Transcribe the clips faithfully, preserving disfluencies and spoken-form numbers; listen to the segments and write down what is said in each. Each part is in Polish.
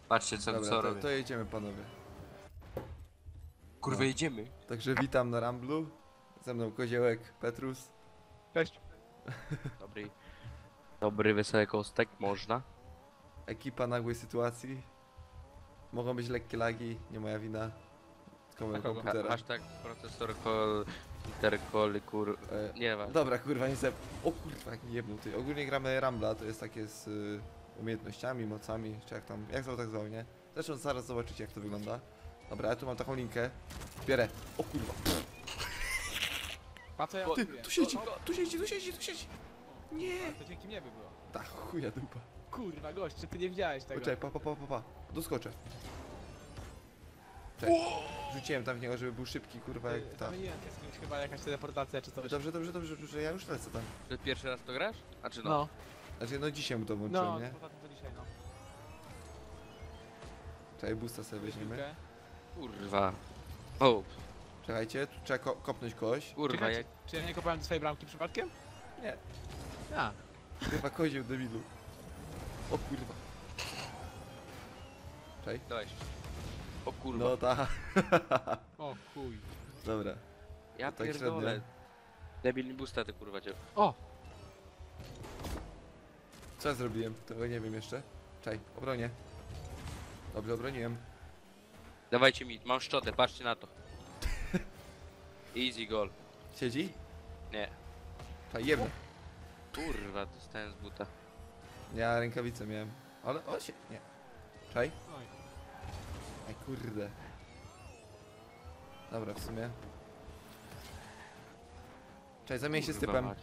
Patrzcie co, Dobra, co to, robię. to jedziemy panowie. Kurwa no. jedziemy. Także witam na Ramblu. Ze mną Koziołek, Petrus. Cześć. Dobry. Dobry, wesoły kostek, można. Ekipa nagłej sytuacji. Mogą być lekkie lagi, nie moja wina. Tylko mojego kogo? Ha komputera. hashtag procesor call, intercall, kur... E, Nie ma. Dobra, kurwa, nie se... O kurwa, jak mi jebnął ty. Ogólnie gramy Rambla, to jest takie z y, umiejętnościami, mocami, czy jak tam, jak zwał, tak zwał, nie? Zresztą zaraz zobaczycie, jak to wygląda. Dobra, ja tu mam taką linkę. Bierę. O kurwa. Pa co ja Ty, robię? tu siedzi, O, o, tu siedzi, tu siedzi, tu siedzi. Nie. To dzięki mnie by było. Ta chuja dupa. Kurwa gość, czy ty nie widziałeś tego? Poczekaj, pa, pa, pa, pa, pa. Doskoczę. Cześć. Rzuciłem tam w niego, żeby był szybki, kurwa, jak ta. Zamieniłem się z kimś, chyba jakaś teleportacja czy coś. Dobrze, dobrze, dobrze, dobrze, ja już lecę tam. Ty pierwszy raz to grasz? A czy no? No, Znaczy, no dzisiaj mu to włączyłem, no, nie? poza tym to dzisiaj, no. Czekaj, boosta sobie weźmiemy. Chwilkę. Kurwa. O, Czekajcie, tu trzeba ko kopnąć kogoś. kurwa Czekajcie, jak... czy ja nie kopałem do swojej bramki przypadkiem? Nie. A, Chyba kozioł debilu. O kurwa. Czekaj. Dałeś. O kurwa. No ta. o chuj. Dobra. ja tak pierdolę. średnio. Debilny busta ty kurwa cię. O! Co ja zrobiłem? Tego nie wiem jeszcze. Czekaj, obronię. Dobrze, obroniłem. Dawajcie mi, mam szczotę, patrzcie na to. Easy goal. Siedzi? Nie. Czekaj, jemy. Kurwa, dostałem z buta. Ja rękawice miałem. Ale, o się, nie. Czekaj. Oj. Aj kurde. Dobra, w sumie. Czekaj, zamień się z Kurwa typem. mać.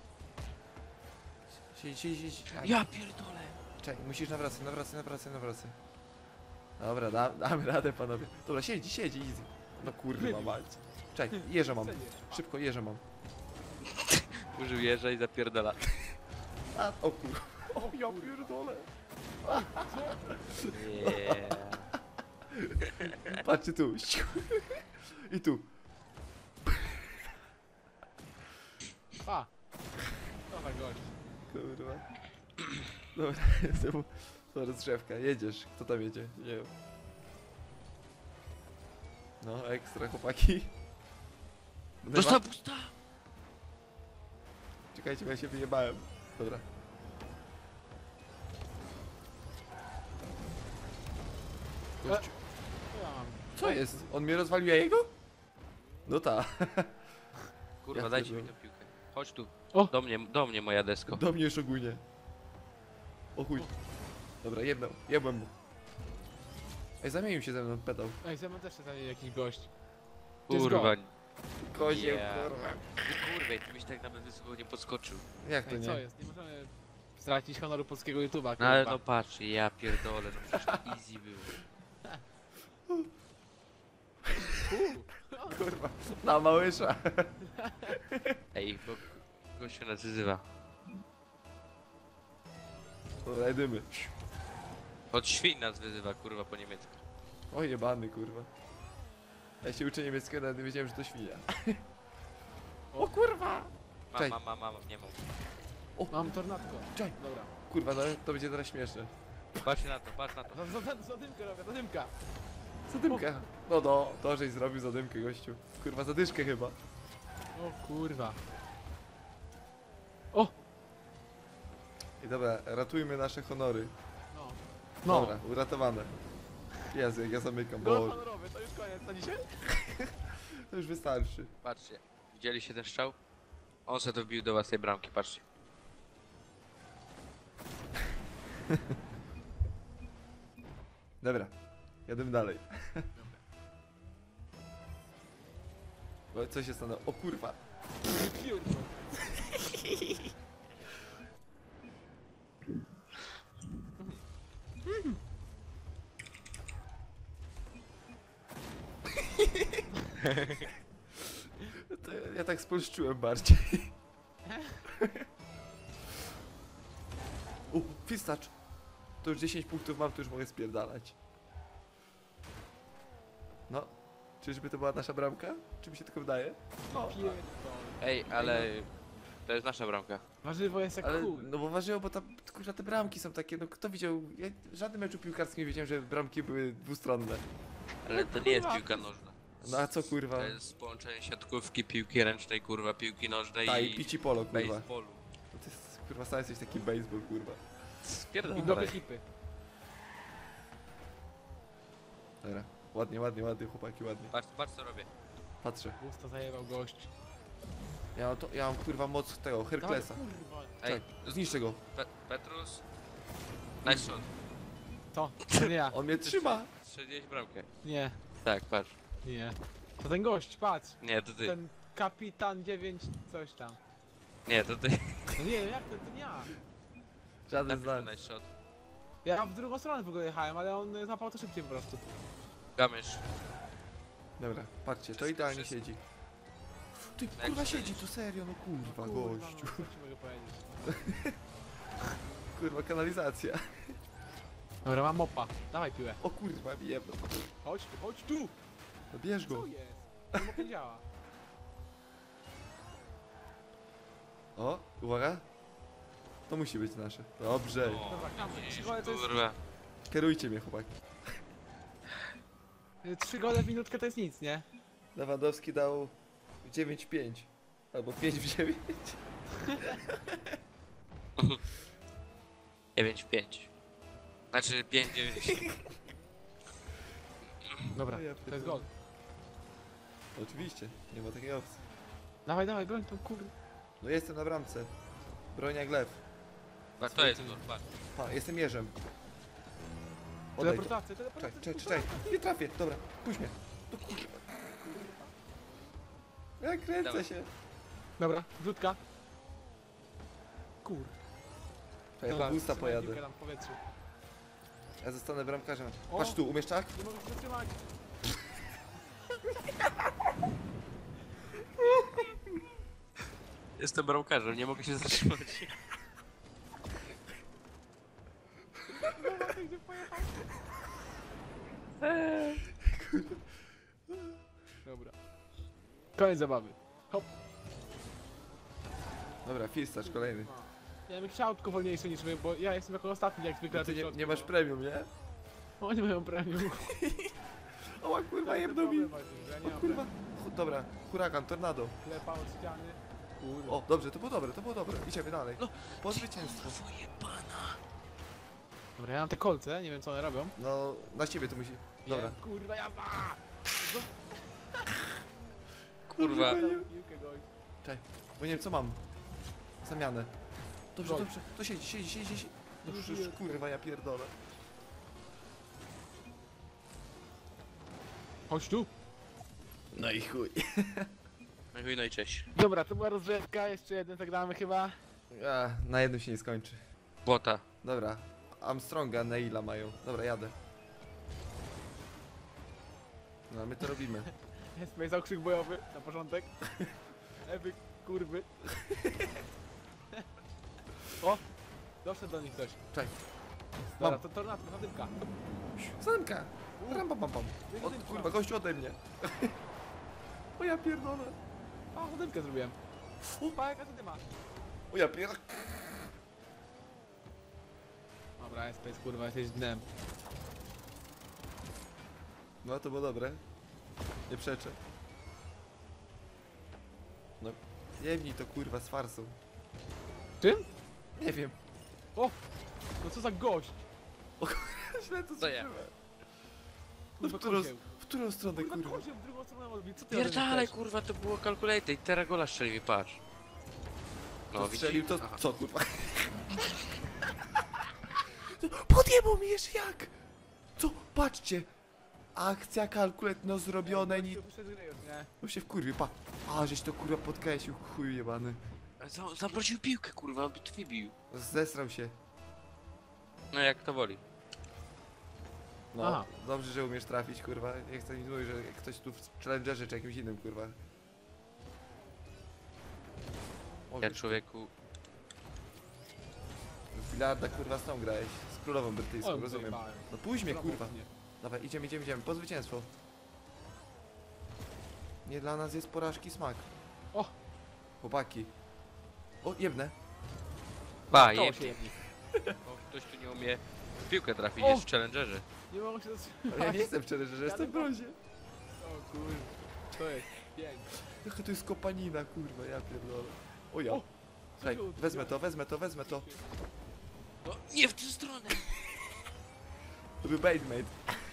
Siedź, siedź, siedź. Aj, Ja pierdolę. Czekaj, musisz nawracać, nawracać, nawracać, nawracać. Dobra, da, damy radę panowie. Dobra, siedzi, siedzi, easy. No kurwa mać. Czekaj, jeża mam. Szybko, jeża mam. Użył jeża i zapierdala. A, o kurwa. O ja pierdolę. Yeah. Patrzcie tu. I tu. A! Dobra gość. Kurwa. Dobra, jestem. To rozgrzewka. Jedziesz. Kto tam jedzie? Nie wiem. No, ekstra chłopaki. Dostał busta! Czekajcie, bo ja się wyjebałem. Dobra. Gościu. Co ja mam? Co jest? On mnie rozwalił, ja jego? No ta. Kurwa, Ja dajcie mi pierdolę. tę piłkę. Chodź tu. O! Do mnie, do mnie moja desko. Do mnie już ogólnie. O chuj. Dobra, jedną. Jebłem mu. Ej, zamienił się ze mną, pedał. Ej, ze mną też się zamienił jakiś gość. To jest Kurwa. Kozieł, Yeah. kurwa. Ty kurwa, ty byś tak nawet wysoko nie podskoczył. Jak to Ej, co nie? jest? Nie możemy stracić honoru polskiego YouTube'a, No ale kurwa. no patrz, ja pierdolę, no przecież to easy było. Kurwa. Na małysza. Ej, bo gościu nas wyzywa. Dobra, jedymy. Od świń nas wyzywa, kurwa, po niemiecku. O jebany, kurwa. Ja się uczę niemieckiego, nawet nie wiedziałem, że to świnia. O kurwa! Mam, Czekaj. mam, mam, mam, nie mam. Mam tornadko. Czekaj. Dobra. Kurwa, no to będzie teraz śmieszne. Patrz na to, patrz na to. Za- za- za- Zadymkę robię, zadymka. Zadymkę. No no, to żeś zrobił zadymkę, gościu. Kurwa, zadyszkę chyba. O kurwa. O! I dobra, ratujmy nasze honory. No. Dobra, uratowane. Jezu, jak ja zamykam, Gol bo honorowy, to już koniec na dzisiaj? to już wystarczy. Patrzcie, widzieliście ten strzał? On se to wbił do własnej bramki, patrzcie. Dobra, jadę dalej. O, co się stanęło? O kurwa. Piórko. To ja, ja tak spolszczyłem bardziej. U, fistacz. To już dziesięć punktów mam, to już mogę spierdalać. No, czyżby to była nasza bramka? Czy mi się tylko wydaje? No. Pierdol. Ej, ale To jest nasza bramka. Warzywo jest jak Ale, chuj. no bo ważyło, bo tam, kurwa, te bramki są takie, no kto widział, ja w żadnym meczu piłkarskim nie wiedziałem, że bramki były dwustronne. Ale to nie jest piłka nożna. No a co, kurwa? To jest połączenie siatkówki, piłki ręcznej, kurwa, piłki nożnej Ta, i i pici polo, kurwa. baseballu. No to jest, kurwa, sam jesteś taki baseball, kurwa. I Spierdolaj. dobre hipy. Dobra, ładnie, ładnie, ładnie, chłopaki, ładnie. Patrz, patrz co robię. Patrzę. Usta zajebał gość. Ja mam, to, ja mam kurwa moc tego, Herklesa. Dawaj, kurwa. Ej, Czek, zniszczę go. Pe Petrus. Nice shot. To, to nie ja. On mnie trzyma. Strzeliłeś bramkę. Nie, Tak, patrz. nie. To ten gość, patrz. Nie, to ty. Ten kapitan dziewięć coś tam. Nie, to ty. No nie, jak to, to nie ja. Żaden z Napisz nas. nice shot. Ja w drugą stronę w ogóle jechałem, ale on y, złapał to szybciej po prostu. Gamysz. Dobra, patrzcie, to Wszystko, idealnie wszystko. siedzi. Ty Jak kurwa strzelisz? siedzi tu serio, no kurwa, Kurwa, gościu. no, co ci mogę powiedzieć. Kurwa, kanalizacja. Dobra, mam mopa. Dawaj piłę. O kurwa, wiem. Chodź tu, chodź tu! No bierz go. Co jest? Ten mop nie działa. O, uwaga. To musi być nasze. Dobrze. Dobra, kamer. Trzy Jeźdź, gole to jest... kurwa. Kierujcie mnie, chłopaki. y, Trzy gole w minutkę to jest nic, nie? Lewandowski dał dziewięć pięć. Albo pięć w dziewięć. dziewięć pięć. Znaczy pięć dziewięć. Dobra, O ja to jest gol. Oczywiście, nie ma takiej opcji. Dawaj, dawaj, broń tą kur... No jestem na bramce. Broń jak lew. Patrz, to jest gol, patrz. Pa, jestem jeżem. Odejdź. to. Teleportacja, Czekaj, teleportacja. czekaj, czekaj. Nie trafię. Dobra, puść mnie. To kurwa. Ja kręcę Dawaj. się. Dobra, wrzutka. Kur. Czekaj, ja usta pojadę. Piłkę tam w powietrzu. Ja zostanę bramkarzem. O! Patrz tu, umiesz tak? Nie mogę się zatrzymać. Jestem bramkarzem, nie mogę się zatrzymać. Dobra, ty gdzie pojechał? Dobra. Koniec zabawy. Hop. Dobra, fistacz kolejny. Ja bym chciał tylko wolniejsze niż wy, bo ja jestem jako ostatni jak zwykle No na ty tym nie, środku, nie masz no. premium, nie? Oni mają premium. O kurwa, To jest jebną mi. problem właśnie, że ja nie O mam kurwa. premium. Ch- Dobra, huragan, tornado. Klepa od ściany. Kurwa. O, dobrze, to było dobre, to było dobre. Idziemy dalej. Po zwycięstwo. Dobra, ja mam te kolce, nie wiem co one robią. No, na ciebie to musi. Dobra. Nie, kurwa, ja ma! Kurwa. Piłkę gość. Czekaj, bo nie wiem co mam. Zamianę. Dobrze, Gol. dobrze. To siedzi, siedzi, siedzi, siedzi. No już, już, kurwa, ja pierdolę. Chodź tu. No i chuj. No i chuj, no i cześć. Dobra, to była rozgrzewka, jeszcze jeden zagramy chyba. A, na jednym się nie skończy. Błota. Dobra. Armstronga, Neila mają. Dobra, jadę. No, my to robimy. Jest tutaj zakrzyk bojowy na początek. Ewy, kurwy. O! Doszedł do nich ktoś. Czekaj. Dobra, Mam. to tornado, zadymka. Zamka. Ram, pam, pam, pam. Od, kurwa, gościu ode mnie. O ja pierdolę. A, zadymkę zrobiłem. Upa, jaka zadyma. O ja pierdolę. Dobra, jest space, kurwa, jesteś dnem. No to było dobre. Nie przeczę. No, jemnij to kurwa z farsą. Czym? Nie wiem. No co za gość? Źle to To ja. zrobiłem. Kurwa, w którą- kozieł. W którą stronę Kurwa, kurwa? kozieł w drugą stronę odbił. Co ty Pierdalej, robisz? kurwa, to było calculated i teraz gola strzelił, patrz. No, No, strzelił widzisz? to Aha. co kurwa? Podjebał mi jeszcze jak? Co? Patrzcie! Akcja kalkuletno zrobione, ni... Tu wyszedł Rejot, nie? No się wkurwi, pa. A, żeś to kurwa podkreślił, chuj jebany. Za- Zamroził piłkę, kurwa, on by to wybił. Zesrał się. No jak to woli. No, Aha. dobrze, że umiesz trafić, kurwa. Nie chcę mi mówić, że ktoś tu w Challengerze czy jakimś innym, kurwa. O, Ja wiesz, człowieku. w bilarda, kurwa, z tą grałeś. Z królową brytyjską, O, rozumiem. zajebałem. No pójdź mnie, Brawo, kurwa. nie. Dawaj, idziemy, idziemy, idziemy, po zwycięstwo. Nie dla nas jest porażki smak. O! Chłopaki. O, jebnę. Pa, To jeb. się jedni. O, ktoś tu nie umie w piłkę trafić, O! jest w challengerze. Nie mogę się zatrzymać. Ale ja nie jestem szczery, że jestem w brązie. O kurwa. To jest pięknie. Jaka to jest kopanina, kurwa, ja pierdolę. O ja. O! Słuchaj, wezmę to, wezmę to, wezmę to. No, nie w tę stronę! To był baitmate.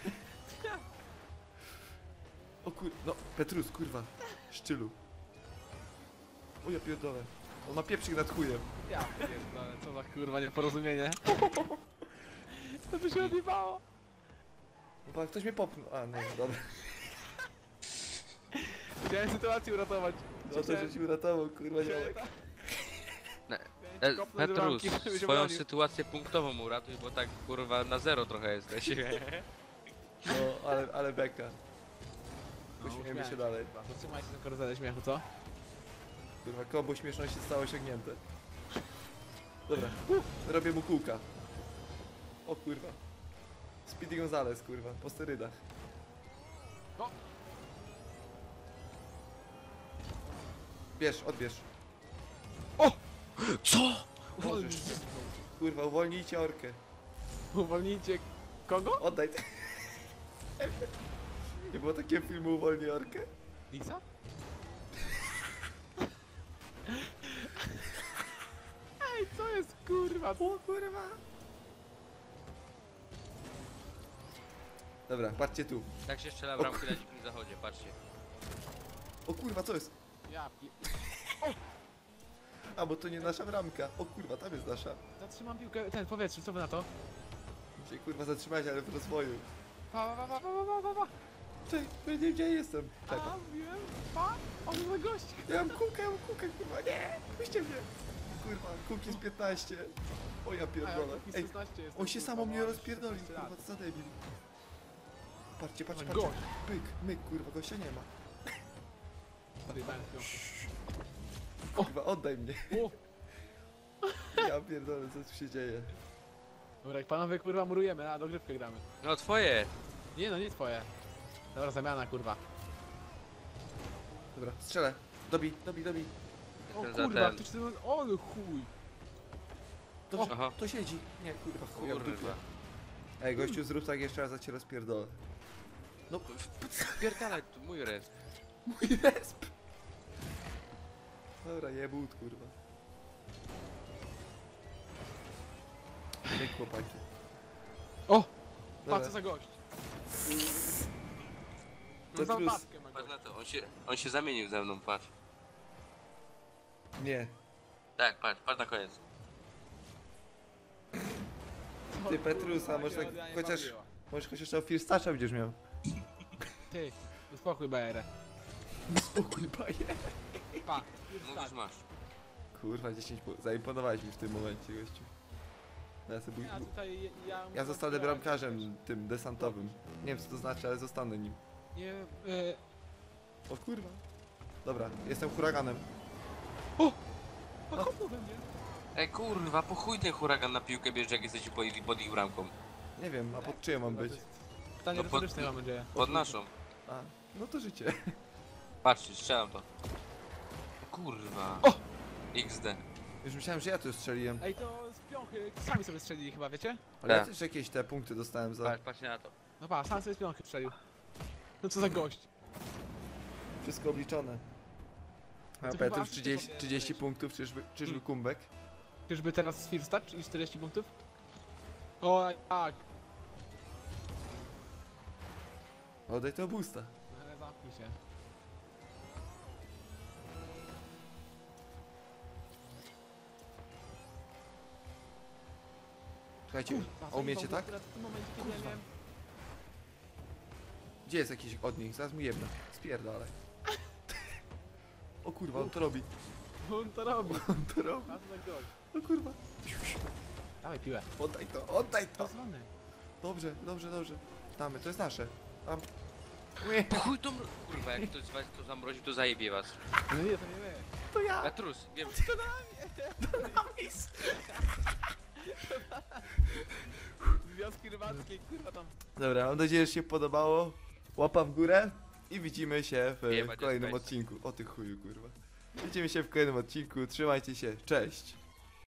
O kur... No, Petrus, kurwa. Szczylu. O ja pierdolę. On ma pieprzyk nad chujem. Ja pierdolę, co za kurwa nieporozumienie. To by się odjebało. No pan, ktoś mnie popchnął. A, no, dobra. Chciałem sytuację uratować. No to, że ci uratował, kurwa, działek. E, Petrus, swoją sytuację punktową uratuj, bo tak kurwa na zero trochę jesteś. No, ale, ale beka. Uśmiejemy się dalej. Zatrzymaj się na karuzelę śmiechu, co? Kurwa, kombo śmieszności zostało osiągnięte. Dobra, robię mu kółka. O kurwa. Speedy Gonzales, kurwa, po sterydach. O! Bierz, odbierz. Co? Możesz. Kurwa, uwolnijcie orkę. Uwolnijcie kogo? Oddaj. Nie było takiego filmu Uwolnij orkę? Lisa? Ej, co jest kurwa? O kurwa. Dobra, patrzcie tu. Tak się strzela w ramki na dzikim zachodzie, patrzcie. O kurwa, co jest? Ja pi... A, bo to nie nasza bramka. O kurwa, tam jest nasza. Zatrzymam piłkę, ten powietrze, co wy na to? Muszę się kurwa zatrzymać, ale w rozwoju. Pa, pa, pa, pa, pa, pa, pa. Cześć, nie wiem gdzie jestem. Czekaj. A, wiem, pa, on za gość. Ja mam kółkę, ja mam kółkę, kurwa, nie! Puśćcie mnie! Kurwa, kółki z piętnaście. O ja pierdolę. Ej, on się samo mnie rozpierdolił, kurwa, co za debil. Patrzcie, patrzcie, No, patrzcie. gość. Pyk, myk, kurwa, gościa nie ma. Kurwa, oddaj mnie. O! Ja pierdolę, co tu się dzieje. Dobra, jak panowie kurwa murujemy, a dogrywkę gramy. No twoje! Nie no, nie twoje. Dobra, zamiana kurwa. Dobra, strzelę. Dobij, dobij, dobij. O Jestem za kurwa, ten. to czy ty... O no chuj. Dobrze, Aha. to siedzi. Nie, kurwa, chuja w dupie. Kurwa. Ej, gościu, zrób tak jeszcze raz, a cię rozpierdolę. No, Pierdalaj, tu mój res. mój resp. Dobra, jebut, kurwa. Myk, chłopaki. O! Dobra. Patrz co za gość. No za Petrus. babkę ma Patrz gość. na to, on się, on się zamienił ze mną, patrz. Nie. Tak, patrz, patrz na koniec. O, Ty, Petrus, kurwa, a może się tak odjanie chociaż- bawiła. Może chociaż tam Firstacza będziesz miał. Ty, uspokój bajerę. Spokój, baje. Pa. Mówisz, masz. Kurwa, dziesięć pu- zaimponowałeś mi w tym momencie, gościu. No Ja, sobie... Ja tutaj, ja... ja zostanę bramkarzem tym desantowym. Nie wiem co to znaczy, ale zostanę nim. Nie, e, O kurwa. Dobra, jestem huraganem. a kopnął we mnie. Ej kurwa, po chuj ten huragan na piłkę bierze, jak jesteś pod, pod ich bramką. Nie wiem, a pod czyją mam być? Pytanie No pod- retoryczne mam nadzieję. Pod naszą. A, no to życie. Patrzcie, strzelam to. O kurwa. O! iks de. Już myślałem, że ja tu strzeliłem. Ej, to z piąchy sami sobie strzelili chyba, wiecie? Ale ja Tak. też jakieś te punkty dostałem za... Patrz, patrz na to. No pa, sam sobie z piąchy strzelił. No co za gość. Wszystko obliczone. A To chyba Petrus asysty trzydzieści, powinien trzydzieści być. punktów, czyżby, czyżby Hmm. kumbek? Czyżby teraz z Firstach i czterdzieści punktów? O, tak. Oddaj to boosta. Ale zamknij się. Słuchajcie, Kurwa, a umiecie zajebał tak? go akurat w tym momencie, kiedy ja Kurwa. miałem... Gdzie jest jakiś od nich? Zaraz mu jedno. Spierdalaj. O kurwa, on to robi. On to robi. On to robi. A to za gość. O kurwa. Dawaj piłę. Oddaj to, oddaj to. Pozwolony. Dobrze, dobrze, dobrze. Damy, to jest nasze. Tam. Po chuj to mro... Kurwa, jak ktoś z was to zamrozi, to zajebie was. No nie, to nie my. To ja. Petrus, wiem. Związki rybackie, kurwa tam. Dobra, mam nadzieję, że się podobało. Łapa w górę i widzimy się w, Jebać w kolejnym jest odcinku. O ty chuju, kurwa. Widzimy się w kolejnym odcinku, trzymajcie się, cześć!